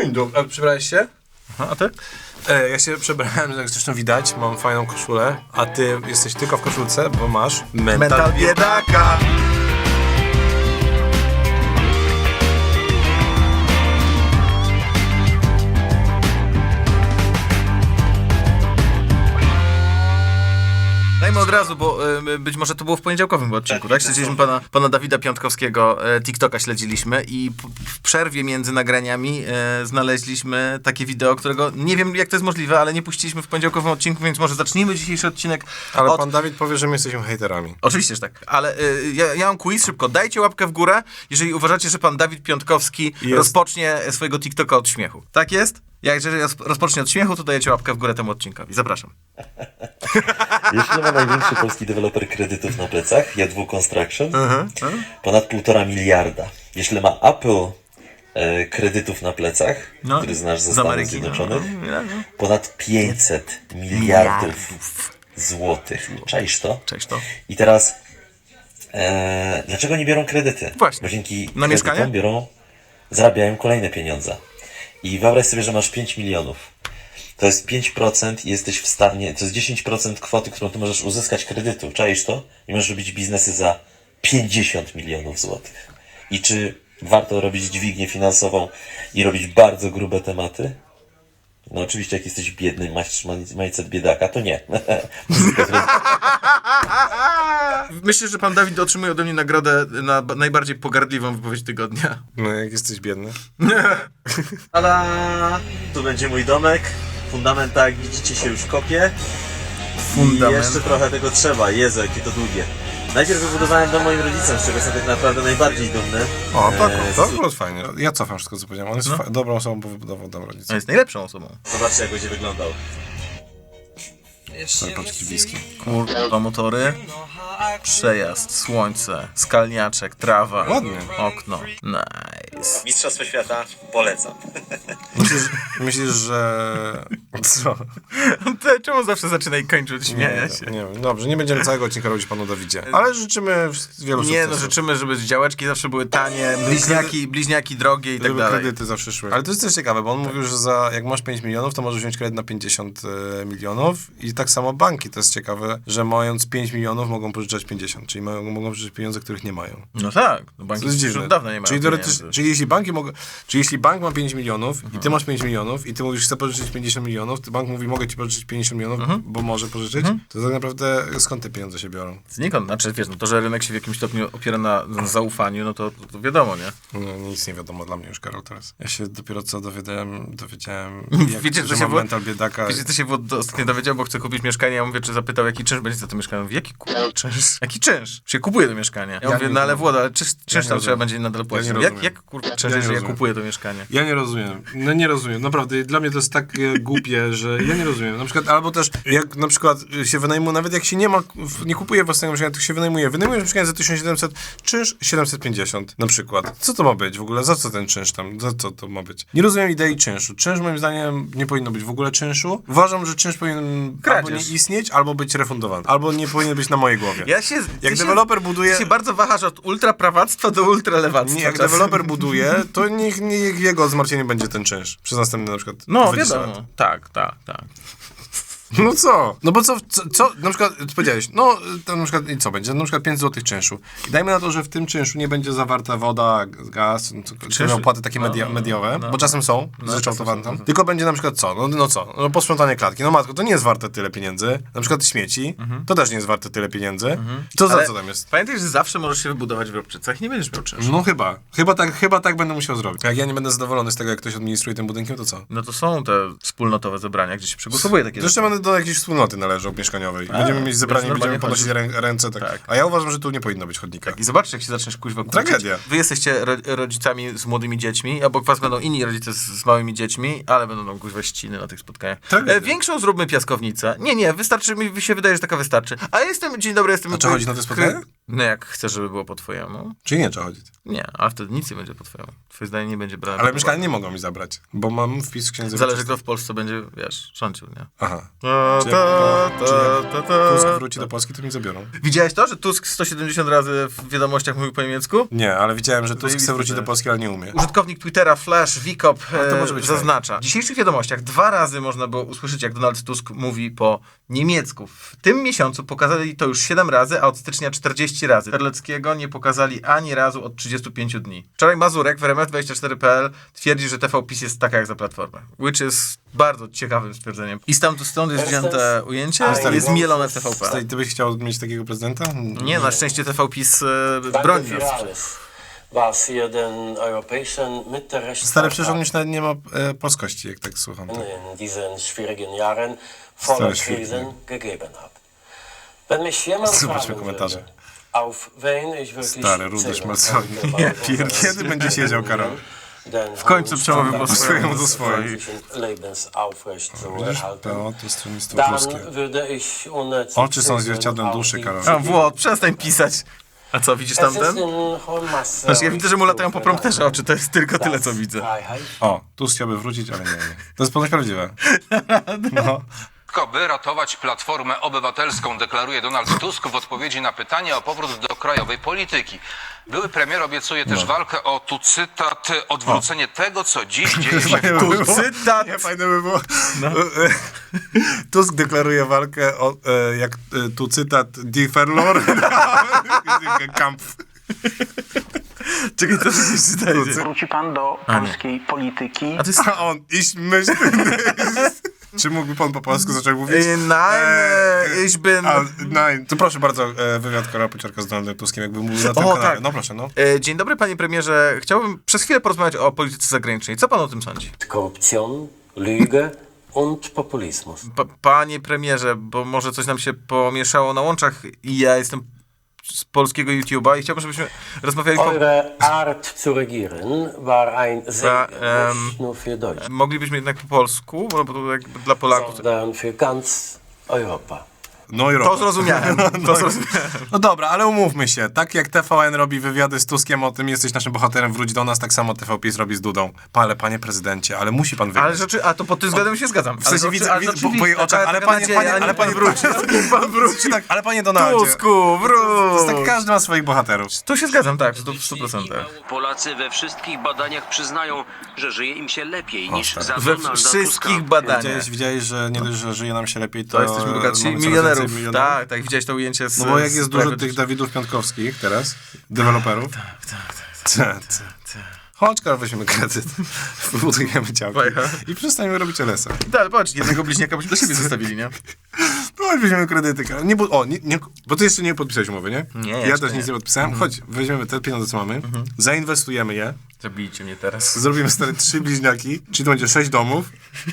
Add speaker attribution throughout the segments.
Speaker 1: Przebrałeś się?
Speaker 2: Aha, a ty?
Speaker 1: Ja się przebrałem, jak zresztą widać, mam fajną koszulę, a ty jesteś tylko w koszulce, bo masz mental biedaka.
Speaker 2: Dajmy od razu, bo być może to było w poniedziałkowym odcinku, tak? Śledziliśmy pana Dawida Piątkowskiego, TikToka śledziliśmy i w przerwie między nagraniami znaleźliśmy takie wideo, którego nie wiem jak to jest możliwe, ale nie puściliśmy w poniedziałkowym odcinku, więc może zacznijmy dzisiejszy odcinek
Speaker 1: Ale pan Dawid powie, że my jesteśmy hejterami.
Speaker 2: Oczywiście, że tak, ale ja mam quiz, szybko. Dajcie łapkę w górę, jeżeli uważacie, że pan Dawid Piątkowski rozpocznie swojego TikToka od śmiechu. Tak jest? Jeżeli rozpocznie od śmiechu, to dajecie łapkę w górę temu odcinkowi. Zapraszam.
Speaker 3: Jeśli ma największy polski deweloper kredytów na plecach, Jadwu Construction, ponad 1,5 miliarda. Jeśli ma Apple kredytów na plecach, który znasz ze Stanów Zjednoczonych, ponad 500 miliardów złotych. Czaisz to?
Speaker 2: Cześć to.
Speaker 3: I teraz, dlaczego nie biorą kredyty?
Speaker 2: Właśnie.
Speaker 3: Bo dzięki
Speaker 2: Na mieszkanie?
Speaker 3: kredytom zarabiają kolejne pieniądze. I wyobraź sobie, że masz 5 milionów. To jest 5% i jesteś w stanie, to jest 10% kwoty, którą ty możesz uzyskać kredytu. Czaisz to? I możesz robić biznesy za 50 milionów złotych. I czy warto robić dźwignię finansową i robić bardzo grube tematy? No oczywiście, jak jesteś biedny, masz mindset biedaka, to nie.
Speaker 2: Myślę, że pan Dawid otrzymuje ode mnie nagrodę na najbardziej pogardliwą wypowiedź tygodnia.
Speaker 1: No jak jesteś biedny.
Speaker 3: Tada! Tu będzie mój domek. Fundamenta, jak widzicie, się już kopie. I jeszcze trochę tego trzeba. Jezu, jakie to długie. Najpierw wybudowałem dom moim rodzicom, z czego jestem tak naprawdę najbardziej dumny.
Speaker 1: O, tak, to było fajnie. Ja cofam wszystko, co powiedziałem. On jest dobrą osobą, bo wybudował dom rodziców.
Speaker 2: On jest najlepszą osobą.
Speaker 3: Zobaczcie, jak będzie wyglądał.
Speaker 1: Sorry, paczki whisky.
Speaker 2: Kurwa, motory, przejazd, słońce, skalniaczek, trawa,
Speaker 1: Ładnie.
Speaker 2: okno. Nice.
Speaker 3: Mistrzostwo świata polecam.
Speaker 1: Myślisz, że... Co?
Speaker 2: Czemu zawsze zaczyna i kończy od śmiania się?
Speaker 1: Nie wiem. Dobrze, nie będziemy całego odcinka robić panu Dawidzie. Ale życzymy wielu
Speaker 2: Nie,
Speaker 1: sukcesów.
Speaker 2: no życzymy, żeby działeczki zawsze były tanie, bliźniaki drogie i tak
Speaker 1: Żeby
Speaker 2: dalej.
Speaker 1: kredyty zawsze szły. Ale to jest też ciekawe, bo on mówił, że jak masz 5 milionów, to możesz wziąć kredyt na 50 milionów i tak samo banki. To jest ciekawe, że mając 5 milionów mogą pożyczać 50, czyli mogą pożyczać pieniądze, których nie mają.
Speaker 2: No tak, no banki
Speaker 1: To jest
Speaker 2: już
Speaker 1: dziwne.
Speaker 2: od dawna nie mają
Speaker 1: Czyli
Speaker 2: pieniędzy.
Speaker 1: czyli jeśli bank ma 5 milionów i ty masz 5 milionów i ty mówisz, chcę pożyczyć 50 milionów, to bank mówi, mogę ci pożyczyć 50 milionów, bo może pożyczyć, to tak naprawdę skąd te pieniądze się biorą?
Speaker 2: Znikąd, znaczy wiesz, no to, że rynek się w jakimś stopniu opiera na zaufaniu, no to wiadomo, nie?
Speaker 1: No, nic nie wiadomo dla mnie już, Karol, teraz. Ja się dopiero co dowiedziałem
Speaker 2: Wiecie,
Speaker 1: że mam mental biedaka.
Speaker 2: Wiecie, co się ostatnio dowiedział, bo chcę kupić mieszkanie, ja mówię, czy zapytał, jaki czynsz będzie za to mieszkanie. Mówię, jaki czynsz? Jaki czynsz? Się kupuje to mieszkanie. Ja mówię, no ale Włoda, ale czynsz tam trzeba będzie nadal płacić. Jak kurwa czynsz, jeżeli ja kupuję to mieszkanie?
Speaker 1: Ja nie rozumiem. No nie rozumiem. Naprawdę, dla mnie to jest tak głupie, że ja nie rozumiem. Na przykład, albo też, jak na przykład się wynajmuje, nawet jak się nie kupuje własnego mieszkania, to się wynajmujesz mieszkanie za 1700, czynsz 750 na przykład. Co to ma być w ogóle? Za co ten czynsz tam? Za co to ma być? Nie rozumiem idei czynszu. Czynsz moim zdaniem nie powinno być w ogóle czynszu. Uważam, że czynsz powinien albo nie istnieć, albo być refundowany. Albo nie powinien być na mojej głowie. Jak deweloper buduje...
Speaker 2: Ty się bardzo wahasz od ultraprawactwa do ultralewactwa.
Speaker 1: Nie, jak deweloper buduje, to niech jego zmartwieniem będzie ten czynsz. Przez następny na przykład
Speaker 2: No
Speaker 1: 20
Speaker 2: wiadomo.
Speaker 1: lat.
Speaker 2: Tak.
Speaker 1: No co? No bo co na przykład powiedziałeś, no to na przykład i co będzie? Na przykład 5 zł czynszu. I dajmy na to, że w tym czynszu nie będzie zawarta woda, gaz, czy opłaty takie mediowe, bo czasem są zryczałtowane tam. Tylko będzie na przykład co? No posprzątanie klatki. No matko, to nie jest warte tyle pieniędzy. Na przykład śmieci, to też nie jest warte tyle pieniędzy. To za co tam jest?
Speaker 2: Pamiętaj, że zawsze możesz się wybudować w Robczycach i nie będziesz miał czynszu.
Speaker 1: No chyba tak będę musiał zrobić. Jak ja nie będę zadowolony z tego, jak ktoś administruje tym budynkiem, to co?
Speaker 2: No to są te wspólnotowe zebrania, gdzie się przygotowuje takie
Speaker 1: Zresztą będę do jakiejś wspólnoty należał mieszkaniowej. Będziemy mieć zebranie, będziemy podnosić ręce. Tak. A ja uważam, że tu nie powinno być chodnika.
Speaker 2: I zobaczcie, jak się zaczniesz kuźwa kłócić.
Speaker 1: Tragedia.
Speaker 2: Wy jesteście rodzicami z młodymi dziećmi, obok was będą inni rodzice z małymi dziećmi, ale będą kuźwa ściny na tych spotkaniach. Większą zróbmy piaskownicę. Nie, wystarczy, mi się wydaje, że taka wystarczy. A dzień dobry, jestem...
Speaker 1: A czy chodzi na te spotkania?
Speaker 2: No jak chcesz, żeby było po twojemu?
Speaker 1: Czyli nie trzeba chodzić.
Speaker 2: Nie, ale wtedy nic nie będzie po twojemu. Twoje zdanie nie będzie brane.
Speaker 1: Ale
Speaker 2: pod
Speaker 1: mieszkanie
Speaker 2: uwagę.
Speaker 1: nie mogą mi zabrać, bo mam wpis w księdze
Speaker 2: Zależy,
Speaker 1: wieczystej.
Speaker 2: kto w Polsce będzie, wiesz, rządził, nie?
Speaker 1: Aha.
Speaker 2: Ta, ta, ta.
Speaker 1: Tusk wróci do Polski, to mi zabiorą.
Speaker 2: Widziałeś to, że Tusk 170 razy w wiadomościach mówił po niemiecku?
Speaker 1: Nie, ale widziałem, że Tusk
Speaker 2: Zajebiste
Speaker 1: chce wrócić
Speaker 2: to
Speaker 1: do
Speaker 2: jest.
Speaker 1: Polski, ale nie umie.
Speaker 2: Użytkownik Twittera Flash Wikop
Speaker 1: to może być
Speaker 2: zaznacza. W dzisiejszych wiadomościach 2 razy można było usłyszeć, jak Donald Tusk mówi po niemiecku. W tym miesiącu pokazali to już 7 razy, a od stycznia 40 razy. Terleckiego nie pokazali ani razu od 35 dni. Wczoraj Mazurek w RMF24.pl twierdzi, że TVPiS jest taka jak za Platformę. Which jest bardzo ciekawym stwierdzeniem. I stąd jest wzięte ujęcie, jest mielone w TVP.
Speaker 1: Stary, ty byś chciał mieć takiego prezydenta?
Speaker 2: Nie, na szczęście TVPIS broni nas.
Speaker 4: Was hier den europäischen
Speaker 1: Stary, przecież on
Speaker 4: Mittelrechtsvertrag
Speaker 1: już nawet nie ma polskości, jak tak słucham. Tak.
Speaker 4: in diesen schwierigen Jahren
Speaker 1: Stary,
Speaker 4: voller
Speaker 1: schwierig.
Speaker 4: Krisen gegeben hat. Wenn mich jemand
Speaker 1: Zobaczmy
Speaker 4: fragen
Speaker 1: komentarze.
Speaker 4: würde, auf wen ich wirklich
Speaker 1: Stary, rudy
Speaker 4: zählen
Speaker 1: szmalcowi.
Speaker 4: könnte,
Speaker 1: Ja
Speaker 4: bei
Speaker 1: pierd-
Speaker 4: unseren
Speaker 1: Kiedy będzie siedział, Karol?
Speaker 4: den
Speaker 2: W końcu przemówił po
Speaker 1: swojemu do
Speaker 4: swojemu
Speaker 1: swoich.
Speaker 4: Lebens aufrecht zu erhalten.
Speaker 1: PO to stronnictwo
Speaker 4: Dann
Speaker 1: polskie.
Speaker 4: würde ich ohne zu
Speaker 1: Oczy są
Speaker 4: zögern
Speaker 1: zwierciadłem
Speaker 4: auf
Speaker 1: duszy,
Speaker 4: die
Speaker 1: Karol.
Speaker 2: A Włod, przestań pisać. A co, widzisz
Speaker 4: Es ist
Speaker 2: tamten?
Speaker 4: in hohem Maße
Speaker 2: Znaczy, ja widzę, że mu latają po prompterze oczy, to jest tylko tyle, co widzę.
Speaker 4: Freiheit
Speaker 1: O, Tusk chciałby wrócić, ale nie. To jest ponoć prawdziwe. No.
Speaker 5: By ratować Platformę Obywatelską, deklaruje Donald Tusk w odpowiedzi na pytanie o powrót do krajowej polityki. Były premier obiecuje też walkę o, tu cytat, odwrócenie tego, co dziś dzieje się w
Speaker 1: Tu
Speaker 2: cytat.
Speaker 1: Nie, fajne by było. Tusk deklaruje walkę o, tu cytat, die Verlor. Kampf.
Speaker 2: Czekaj, to się czytajcie.
Speaker 6: Wróci pan do polskiej polityki.
Speaker 2: A to jest...
Speaker 1: A on, iść myśl. Czy mógłby pan po polsku zacząć mówić?
Speaker 2: Nein, ich bin...
Speaker 1: Nein. To proszę bardzo, wywiad Karola Pociorka z Donaldem Tuskiem, jakby mówił na tym
Speaker 2: O,
Speaker 1: kanale.
Speaker 2: tak.
Speaker 1: No proszę, no.
Speaker 2: Dzień dobry, panie premierze. Chciałbym przez chwilę porozmawiać o polityce zagranicznej. Co pan o tym sądzi?
Speaker 4: Korruption, Lüge und Populismus.
Speaker 2: Panie premierze, bo może coś nam się pomieszało na łączach i ja jestem z polskiego YouTube'a i chciałbym, żebyśmy rozmawiali
Speaker 4: Eure Art zu regieren war ein Segen, nicht nur für Deutschland,
Speaker 2: Moglibyśmy jednak po polsku, bo to jakby dla Polaków...
Speaker 4: sondern für ganz Europa.
Speaker 1: No i
Speaker 2: To zrozumiałem, to zrozumiałem.
Speaker 1: No dobra, ale umówmy się. Tak jak TVN robi wywiady z Tuskiem o tym, jesteś naszym bohaterem, wróć do nas, tak samo TVPiS robi z Dudą. Ale panie prezydencie, ale musi pan wygrać.
Speaker 2: Ale rzeczy, a to pod tym względem się zgadzam.
Speaker 1: W sensie widzę po jej oczach, ale panie wróci. Pan wróci. Tak, ale panie Donaldzie.
Speaker 2: Tusku,
Speaker 1: To
Speaker 2: wróć!
Speaker 1: jest tak, każdy ma swoich bohaterów.
Speaker 2: Tu się zgadzam, tak, w 100%.
Speaker 7: Polacy we wszystkich badaniach przyznają, że żyje im się lepiej niż za
Speaker 2: We
Speaker 7: Donalda
Speaker 2: wszystkich
Speaker 7: Tuska.
Speaker 2: badaniach.
Speaker 1: Widziałeś, że nie dość, że żyje nam się lepiej,
Speaker 2: To jesteśmy bogatsi
Speaker 1: mamy coraz
Speaker 2: milionerów.
Speaker 1: więcej milionerów.
Speaker 2: Tak, tak, widziałeś to ujęcie z...
Speaker 1: No bo jak
Speaker 2: z
Speaker 1: jest dużo
Speaker 2: Private
Speaker 1: tych Dawidów Piątkowskich teraz, deweloperów. Tak. Chodź, Karol, weźmiemy kredyt, wybudujemy działki i przestaniemy robić LS-a.
Speaker 2: Tak, ale patrz, jednego bliźniaka byśmy dla siebie zostawili, nie?
Speaker 1: No, chodź, weźmiemy kredyty, Karol. Bo ty jeszcze nie podpisałeś umowy, nie?
Speaker 2: Nie,
Speaker 1: Ja
Speaker 2: jeszcze
Speaker 1: też nic nie podpisałem. Chodź, weźmiemy te pieniądze, co mamy, zainwestujemy je,
Speaker 2: Zabijcie mnie teraz.
Speaker 1: zrobimy stare 3 bliźniaki, czyli to będzie 6 domów,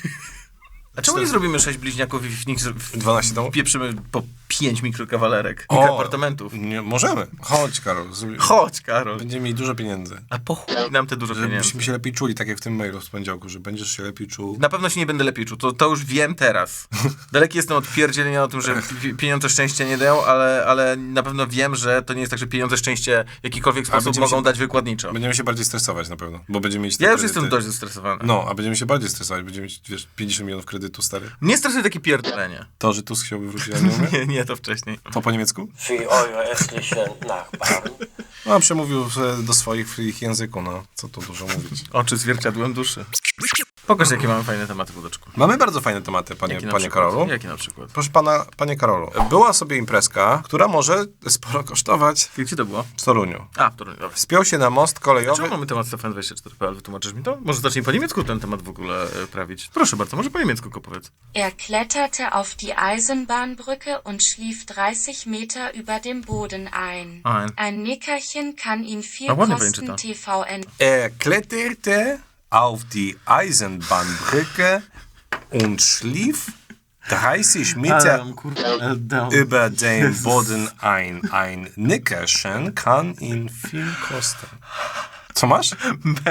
Speaker 2: A czemu nie zrobimy 6 bliźniaków i w nich
Speaker 1: 12 domów.
Speaker 2: pieprzymy po 5 mikrokawalerek? Kilka apartamentów.
Speaker 1: Nie, możemy. Chodź, Karol.
Speaker 2: Chodź, Karol.
Speaker 1: Będziemy mieli dużo pieniędzy.
Speaker 2: A po chuj nam te dużo pieniędzy.
Speaker 1: Żebyśmy się lepiej czuli, tak jak w tym mailu z poniedziałku, że będziesz się lepiej czuł.
Speaker 2: Na pewno się nie będę lepiej czuł, to już wiem teraz. Daleki jestem od pierdzielenia o tym, że pieniądze szczęścia nie dają, ale na pewno wiem, że to nie jest tak, że pieniądze szczęścia w jakikolwiek sposób
Speaker 1: będziemy
Speaker 2: mogą
Speaker 1: się-
Speaker 2: dać wykładniczo.
Speaker 1: Będziemy się bardziej stresować na pewno, bo będziemy mieć te
Speaker 2: Ja już
Speaker 1: kredyty.
Speaker 2: jestem dość zestresowany.
Speaker 1: No, a będziemy się bardziej stresować, będziemy mieć, wiesz, 50 milionów kredytu, stary.
Speaker 2: Nie stresuje takie pierdolenie.
Speaker 1: To, że Tusk chciałby wrócić, a nie umie?
Speaker 2: Nie, to wcześniej.
Speaker 1: To po niemiecku?
Speaker 4: Für eure östlichen Nachbarn.
Speaker 1: No, a przemówił do swoich w ich języku, no. Co tu dużo mówić.
Speaker 2: Oczy zwierciadłem duszy. Pokaż, jakie mamy fajne tematy, Wódeczku.
Speaker 1: Mamy bardzo fajne tematy,
Speaker 2: Jaki na
Speaker 1: panie
Speaker 2: przykład?
Speaker 1: Karolu.
Speaker 2: Jaki na przykład?
Speaker 1: Proszę pana, panie Karolu, była sobie imprezka, która może sporo kosztować
Speaker 2: Gdzie to było?
Speaker 1: w Toruniu.
Speaker 2: A, w Toruniu, dobra.
Speaker 1: Spiął się na most kolejowy.
Speaker 2: Czemu mamy temat Stefan24.pl? Wytłumaczysz mi to? Może zacznij po niemiecku ten temat w ogóle prawić. Proszę bardzo, może po niemiecku go powiedz.
Speaker 8: Er kletterte auf die Eisenbahnbrücke und schlief 30 Meter über dem Boden ein. Ein Nickerchen kann ihn viel
Speaker 2: ładnie
Speaker 8: kosten.
Speaker 2: pamiętam.
Speaker 8: TVN.
Speaker 1: Er kletterte auf die Eisenbahnbrücke und schlief 30 Meter über den Boden ein. Ein Nickerchen kann ihn viel kosten. Co masz?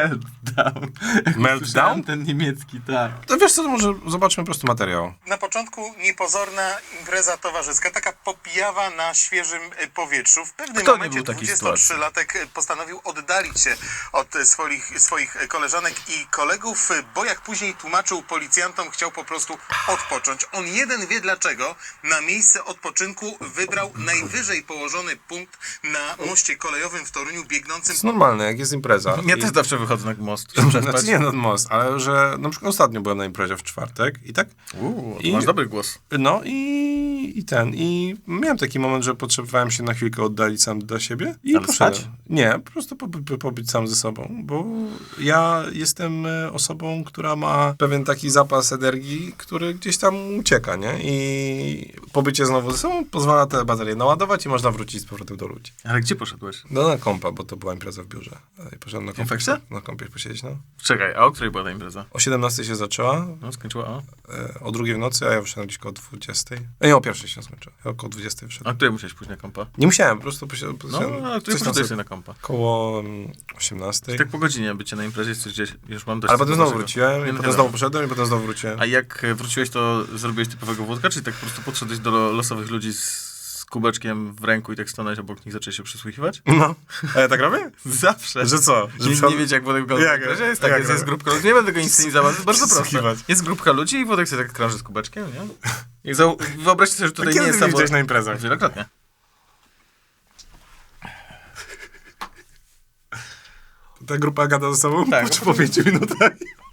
Speaker 2: Meltdown.
Speaker 1: Meltdown?
Speaker 2: Ten niemiecki, tak.
Speaker 1: To wiesz co, to może zobaczmy po prostu materiał.
Speaker 9: Na początku niepozorna impreza towarzyska, taka popijawa na świeżym powietrzu. W pewnym
Speaker 2: Kto nie
Speaker 9: momencie
Speaker 2: był w takiej sytuacji?
Speaker 9: 23-latek postanowił oddalić się od swoich koleżanek i kolegów, bo jak później tłumaczył policjantom, chciał po prostu odpocząć. On jeden wie dlaczego. Na miejsce odpoczynku wybrał najwyżej położony punkt na moście kolejowym w Toruniu biegnącym.
Speaker 1: To jest normalne, jak jest impreza.
Speaker 2: Ja też zawsze wychodzę na most.
Speaker 1: Znaczy nie nad most, ale że na przykład ostatnio byłem na imprezie w czwartek i tak.
Speaker 2: I masz dobry głos.
Speaker 1: No i miałem taki moment, że potrzebowałem się na chwilkę oddalić sam dla siebie i
Speaker 2: Ale
Speaker 1: poszedłem.
Speaker 2: spać?
Speaker 1: Nie, po prostu pobyć sam ze sobą, bo ja jestem osobą, która ma pewien taki zapas energii, który gdzieś tam ucieka, nie? I pobycie znowu ze sobą pozwala te baterie naładować i można wrócić z powrotem do ludzi.
Speaker 2: Ale gdzie poszedłeś?
Speaker 1: No na kompa, bo to była impreza w biurze. I poszedłem na kompie,
Speaker 2: Infekcja?
Speaker 1: na kompie posiedzieć, no.
Speaker 2: Czekaj, a o której była ta impreza?
Speaker 1: O 17 się zaczęła,
Speaker 2: No, skończyła o?
Speaker 1: o 2 w nocy, a ja wyszedłem gdzieś koło 20. Nie, o 1 się skończyła. Ja około 20
Speaker 2: A
Speaker 1: wyszedłem.
Speaker 2: której musiałeś pójść na kompa?
Speaker 1: Nie musiałem, po prostu
Speaker 2: No,
Speaker 1: poszedłem.
Speaker 2: a której poszedłeś na kompa?
Speaker 1: Koło 18.
Speaker 2: Tak po godzinie bycie na imprezie, coś gdzieś już mam dość.
Speaker 1: Ale potem znowu
Speaker 2: tego.
Speaker 1: wróciłem,
Speaker 2: Nie,
Speaker 1: i
Speaker 2: no
Speaker 1: potem
Speaker 2: wiadomo.
Speaker 1: znowu poszedłem, i potem znowu wróciłem.
Speaker 2: A jak wróciłeś, to zrobiłeś typowego wódka, czyli tak po prostu podszedłeś do losowych ludzi z kubeczkiem w ręku i tak stanąłeś obok nich, zaczęli się przysłuchiwać?
Speaker 1: No. A ja tak robię?
Speaker 2: Zawsze.
Speaker 1: Że co? Że
Speaker 2: Nie wiecie, jak Włodek wygląda.
Speaker 1: Jak?
Speaker 2: Jest
Speaker 1: Jak
Speaker 2: tak, jest
Speaker 1: robię?
Speaker 2: grupka ludzi. Nie będę tego inscenizował, to jest bardzo proste.
Speaker 1: Przysłuchiwać.
Speaker 2: Jest grupka ludzi i Włodek sobie tak krąży z kubeczkiem, nie? Jak wyobraźcie sobie, że tutaj
Speaker 1: Kiedy
Speaker 2: nie jest
Speaker 1: ty mnie
Speaker 2: samo...
Speaker 1: widziałeś na imprezach?
Speaker 2: Wielokrotnie.
Speaker 1: Ta grupa gada ze sobą
Speaker 2: Tak.
Speaker 1: po 5 minutach.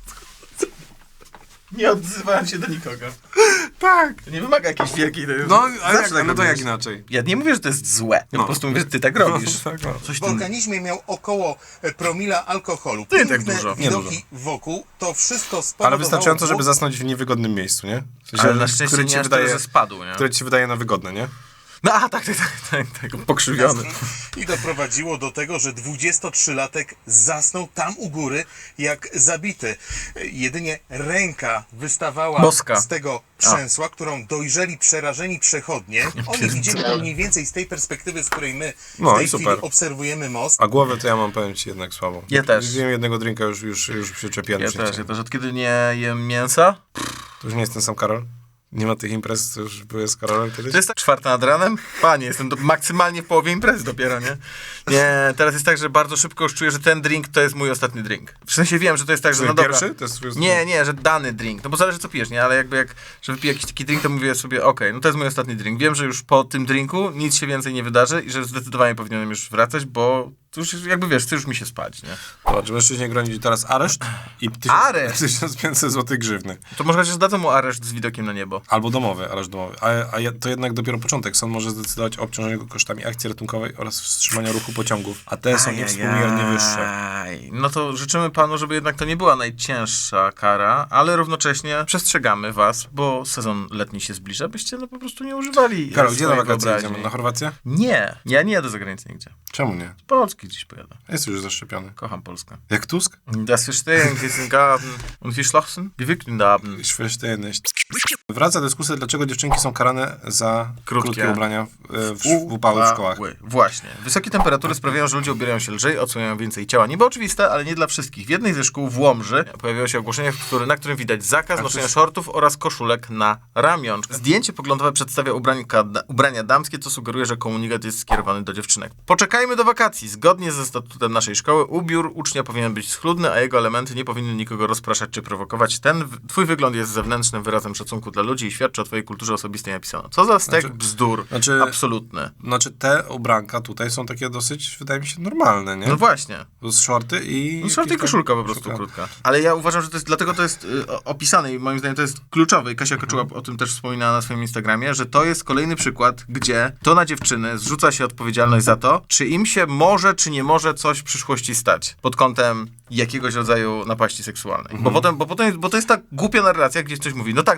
Speaker 2: Nie odzywałem się do nikogo.
Speaker 1: Tak.
Speaker 2: To nie wymaga jakiejś wielkiej...
Speaker 1: No,
Speaker 2: Zawsze
Speaker 1: ale jak,
Speaker 2: tak
Speaker 1: no to jak
Speaker 2: robisz.
Speaker 1: inaczej?
Speaker 2: Ja nie mówię, że to jest złe. Ja po prostu mówię, że ty tak robisz.
Speaker 1: Tak, no.
Speaker 2: Coś
Speaker 9: W
Speaker 2: tym...
Speaker 9: organizmie miał około promila alkoholu.
Speaker 2: To nie tak
Speaker 9: Piękne
Speaker 2: dużo.
Speaker 1: Nie
Speaker 9: widoki wokół, to wszystko spowodowało...
Speaker 1: Ale wystarczająco, żeby zasnąć w niewygodnym miejscu, nie? W sensie,
Speaker 2: Ale na szczęście
Speaker 1: które
Speaker 2: nie
Speaker 1: ci
Speaker 2: aż tyle,
Speaker 1: wydaje,
Speaker 2: że spadł, nie?
Speaker 1: które ci się wydaje na wygodne, nie?
Speaker 2: No a tak, pokrzywiony.
Speaker 9: I doprowadziło do tego, że 23-latek zasnął tam u góry jak zabity. Jedynie ręka wystawała
Speaker 2: Boska.
Speaker 9: z tego przęsła, którą dojrzeli przerażeni przechodnie. Oni widzieli to mniej więcej z tej perspektywy, z której my
Speaker 1: No
Speaker 9: w tej
Speaker 1: i
Speaker 9: chwili
Speaker 1: super.
Speaker 9: obserwujemy most.
Speaker 1: A głowę to ja mam, powiem ci, jednak słabo.
Speaker 2: Ja też.
Speaker 1: Zjem jednego drinka, już przyczepiony.
Speaker 2: Ja też. Od kiedy nie jem mięsa?
Speaker 1: To już nie jest ten sam Karol? Nie ma tych imprez, co już były z Karolem kiedyś?
Speaker 2: To jest tak 4 nad ranem? Panie, jestem maksymalnie w połowie imprezy dopiero, nie? Nie, teraz jest tak, że bardzo szybko już czuję, że ten drink to jest mój ostatni drink. W sensie wiem, że to jest tak, że
Speaker 1: Czyli
Speaker 2: no dobra.
Speaker 1: pierwszy? To jest twój
Speaker 2: Nie, że dany drink. No bo zależy co pijesz, nie? Ale jakby że wypiję jakiś taki drink, to mówię sobie, okej, no to jest mój ostatni drink. Wiem, że już po tym drinku nic się więcej nie wydarzy i że zdecydowanie powinienem już wracać, bo to już jakby wiesz, chce już mi się spać, nie?
Speaker 1: Zobacz, mężczyźnie grozi teraz areszt i
Speaker 2: Areszt?
Speaker 1: 1500 zł grzywny.
Speaker 2: To może chociaż dadzą mu areszt z widokiem na niebo.
Speaker 1: Albo domowy, areszt domowy. To jednak dopiero początek. Sąd może zdecydować o obciążeniu go kosztami akcji ratunkowej oraz wstrzymania ruchu pociągów, a te są niewspółmiernie wyższe.
Speaker 2: No to życzymy panu, żeby jednak to nie była najcięższa kara, ale równocześnie przestrzegamy was, bo sezon letni się zbliża, byście no po prostu nie używali
Speaker 1: Karol, gdzie na
Speaker 2: swojej
Speaker 1: wakacje
Speaker 2: wyobraźni.
Speaker 1: jedziemy? Na Chorwację?
Speaker 2: Nie, ja nie jadę za granicę nigdzie.
Speaker 1: Czemu nie?
Speaker 2: Z Polski dziś pojadę.
Speaker 1: Jest już zaszczepiony.
Speaker 2: Kocham Polskę.
Speaker 1: Jak Tusk?
Speaker 2: Das Verstehen, diesen Garten und geschlossen, gewickelten Abend.
Speaker 1: Wraca dyskusja, dlaczego dziewczynki są karane za krótkie ubrania w upały w szkołach.
Speaker 2: Właśnie. Wysokie temperatury sprawiają, że ludzie ubierają się lżej, odsłaniają więcej ciała. Niby oczywiste, ale nie dla wszystkich. W jednej ze szkół w Łomży pojawiło się ogłoszenie, na którym widać zakaz noszenia shortów oraz koszulek na ramion. Zdjęcie poglądowe przedstawia ubrania damskie, co sugeruje, że komunikat jest skierowany do dziewczynek. Poczekajmy do wakacji. Zgodnie ze statutem naszej szkoły ubiór ucznia powinien być schludny, a jego elementy nie powinny nikogo rozpraszać czy prowokować. Twój wygląd jest zewnętrznym wyrazem szacunku dla ludzi i świadczy o twojej kulturze osobistej napisano. Co za stek bzdur. Absolutny.
Speaker 1: Znaczy te ubranka tutaj są takie dosyć, wydaje mi się, normalne, nie?
Speaker 2: No właśnie.
Speaker 1: To jest shorty i...
Speaker 2: No shorty i koszulka po prostu krótka. Ale ja uważam, że to jest, dlatego to jest opisane i moim zdaniem to jest kluczowe i Kasia Koczuła o tym też wspominała na swoim Instagramie, że to jest kolejny przykład, gdzie to na dziewczyny zrzuca się odpowiedzialność za to, czy im się może, czy nie może coś w przyszłości stać pod kątem jakiegoś rodzaju napaści seksualnej. Bo to jest ta głupia narracja, gdzie ktoś mówi, no tak, no ale ona miała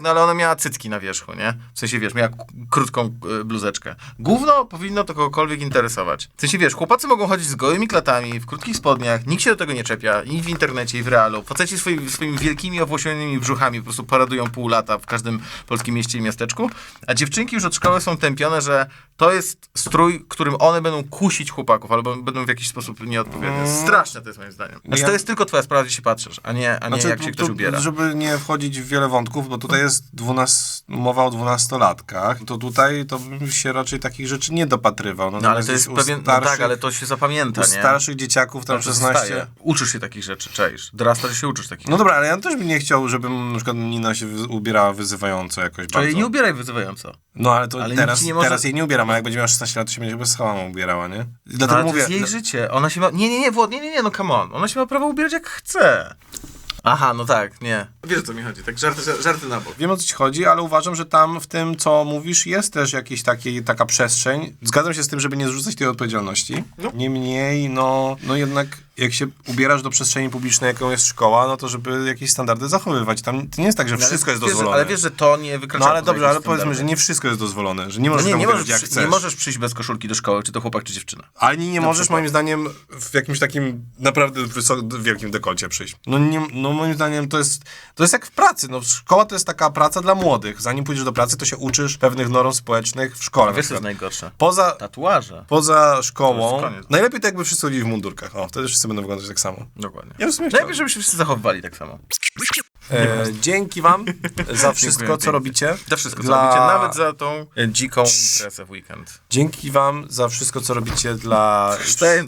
Speaker 2: miała cycki na wierzchu, nie? W sensie, wiesz, miała krótką bluzeczkę. Gówno powinno to kogokolwiek interesować. W sensie, wiesz, chłopacy mogą chodzić z gołymi klatami, w krótkich spodniach, nikt się do tego nie czepia, i w internecie, i w realu. Faceci swoimi wielkimi, owłosionymi brzuchami po prostu paradują pół lata w każdym polskim mieście i miasteczku, a dziewczynki już od szkoły są tępione, że to jest strój, którym one będą kusić chłopaków, albo będą w jakiś sposób nieodpowiednie. Straszne to jest moim zdaniem. Znaczy, to jest tylko twoja sprawa, gdzie się patrzysz, a nie jak się ktoś ubiera.
Speaker 1: Żeby nie wchodzić w wiele wątków, bo tutaj jest mowa o 12-latkach, to tutaj to bym się raczej takich rzeczy nie dopatrywał.
Speaker 2: No ale to jest pewien... No tak, ale to się zapamięta, nie?
Speaker 1: U starszych dzieciaków tam 16...
Speaker 2: Uczysz się takich rzeczy, czaisz. Dorastasz się uczysz takich rzeczy.
Speaker 1: No dobra, ale ja też bym nie chciał, żeby na przykład Nina się ubierała wyzywająco jakoś bardzo.
Speaker 2: Ale nie ubieraj wyzywająco.
Speaker 1: No ale to teraz jej nie ubieram, a jak będzie miała 16 lat, to się będzie bez schałama ubierała, nie? Dlatego
Speaker 2: mówię, to jest jej życie. Ona się ma... Nie, Włod, nie, no come on. Ona się ma prawo ubierać jak chce. Aha, no tak, nie. Wiesz, o co mi chodzi, tak żarty na bok.
Speaker 1: Wiem, o co ci chodzi, ale uważam, że tam w tym, co mówisz, jest też jakaś taka przestrzeń. Zgadzam się z tym, żeby nie zrzucać tej odpowiedzialności. No. Niemniej, no jednak jak się ubierasz do przestrzeni publicznej, jaką jest szkoła, no to żeby jakieś standardy zachowywać. Tam to nie jest tak, że wszystko jest dozwolone.
Speaker 2: Ale wiesz, że to nie wykracza.
Speaker 1: No ale dobrze, ale powiedzmy, że nie wszystko jest dozwolone, że nie możesz ubierać jak chcesz.
Speaker 2: Nie możesz przyjść bez koszulki do szkoły, czy to chłopak, czy dziewczyna.
Speaker 1: Ale nie możesz, moim zdaniem, w jakimś takim naprawdę wielkim dekolcie przyjść. No moim zdaniem to jest jak w pracy. No szkoła to jest taka praca dla młodych. Zanim pójdziesz do pracy, to się uczysz pewnych norm społecznych w szkole.
Speaker 2: Wiesz, co jest najgorsze?
Speaker 1: Tatuaże. Poza szkołą. Najlepiej to jakby wszyscy chodzili w mundurkach. O, wtedy wszyscy będą wyglądać tak samo.
Speaker 2: Dokładnie.
Speaker 1: Ja w sumie
Speaker 2: najlepiej, żeby się wszyscy zachowywali tak samo.
Speaker 1: Dzięki wam za wszystko, co robicie.
Speaker 2: Za wszystko, co robicie. Nawet za tą dziką imprezę w weekend.
Speaker 1: Dzięki wam za wszystko, co robicie dla...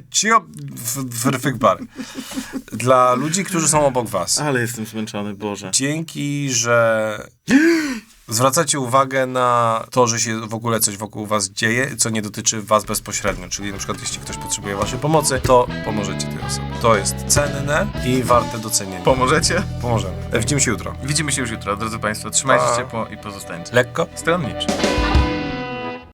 Speaker 1: Dla ludzi, którzy są obok was.
Speaker 2: Ale jestem zmęczony, Boże.
Speaker 1: Dzięki, że zwracacie uwagę na to, że się w ogóle coś wokół was dzieje, co nie dotyczy was bezpośrednio. Czyli na przykład jeśli ktoś potrzebuje waszej pomocy, to pomożecie tej osobie. To jest cenne i warte docenienia.
Speaker 2: Pomożecie?
Speaker 1: Pomożemy. Widzimy się jutro.
Speaker 2: Widzimy się już jutro, drodzy państwo. Trzymajcie się ciepło i pozostańcie
Speaker 1: lekko
Speaker 2: stronniczy.